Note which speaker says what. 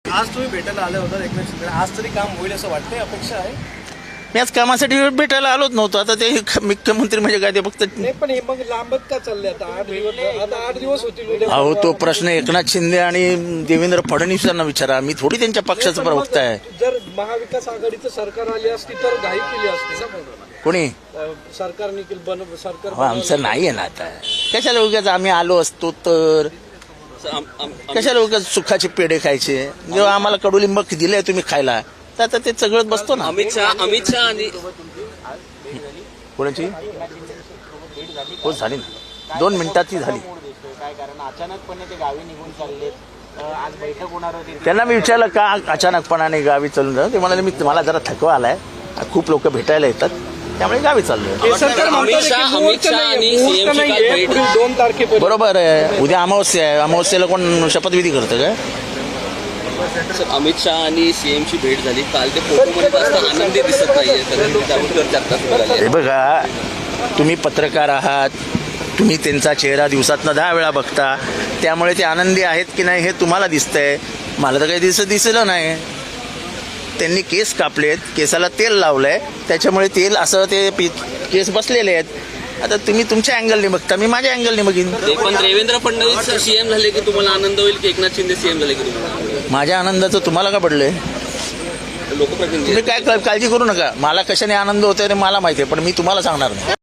Speaker 1: आज तुम्ही भेटायला आले होता एकनाथ शिंदे, आज तरी काम होईल असं वाटतंय, अपेक्षा आहे?
Speaker 2: मी आज कामासाठी भेटायला आलोच नव्हतो. आता ते मुख्यमंत्री म्हणजे काय ते फक्त
Speaker 1: नाही, पण हे मग लांबत का चालले आता? 8 दिवस होतील.
Speaker 2: अहो, तो प्रश्न एकनाथ शिंदे आणि देवेंद्र फडणवीस यांना विचारा. मी थोडी त्यांच्या पक्षाचा प्रवक्ता आहे.
Speaker 1: जर महाविकास आघाडीचं सरकार आली असती तर घाई केली असती का?
Speaker 2: कोणी
Speaker 1: सरकारने सरकार
Speaker 2: आमचं नाही आहे ना आता. कशाला उगाच आम्ही आलो असतो तर कशाला उगाच सुखाचे पेढे खायचे? जेव्हा आम्हाला कडुलिंब दिले तुम्ही खायला, तर आता ते सगळं बसतो ना.
Speaker 3: अमित शहा आणि
Speaker 2: कोणाची हो झाली ना, 2 मिनिटाची झाली.
Speaker 4: काय कारण अचानकपणे ते गावी निघून चालले. आज बैठक होणार होती.
Speaker 2: त्यांना मी विचारलं का अचानकपणाने गावी चालून जाऊ. ते म्हणाले मला जरा थकवा आलाय, खूप लोक भेटायला येतात, त्यामुळे गावी चाललोय.
Speaker 3: अमित शहा आणि सीएमची काल भेट
Speaker 1: 2 तारखेपर्यंत.
Speaker 2: बरोबर आहे. उद्या अमावस्या आहे. अमावस्येला कोण शपथविधी करतं काय?
Speaker 3: अमित शहा आणि सीएमची भेट झाली काल. ते फोटोमध्ये जास्त आनंदी दिसत नाहीये, तर त्यावर चर्चा सुरू झाली.
Speaker 2: हे बघा, तुम्ही पत्रकार आहात, तुम्ही त्यांचा चेहरा दिवसातनं 10 वेळा बघता, त्यामुळे ते आनंदी आहेत की नाही हे तुम्हाला दिसतंय. मला तर काही दिसलं नाही. त्यांनी केस कापलेत, केसाला तेल लावलंय, त्याच्यामुळे तेल असं ते केस बसलेले आहेत. आता तुम्ही तुमच्या अँगलने बघता, मी माझ्या अँगलने बघीन.
Speaker 3: ते पण देवेंद्र फडणवीस सीएम झाले की तुम्हाला आनंद होईल की एकनाथ शिंदे सीएम झाले की तुम्हाला?
Speaker 2: माझ्या आनंदाचं तुम्हाला का पडलंय?
Speaker 3: लोकप्रतिनिधी
Speaker 2: तुम्ही काय काळजी करू नका. मला कशाने आनंद होतोय ते मला माहिती आहे, पण मी तुम्हाला सांगणार नाही.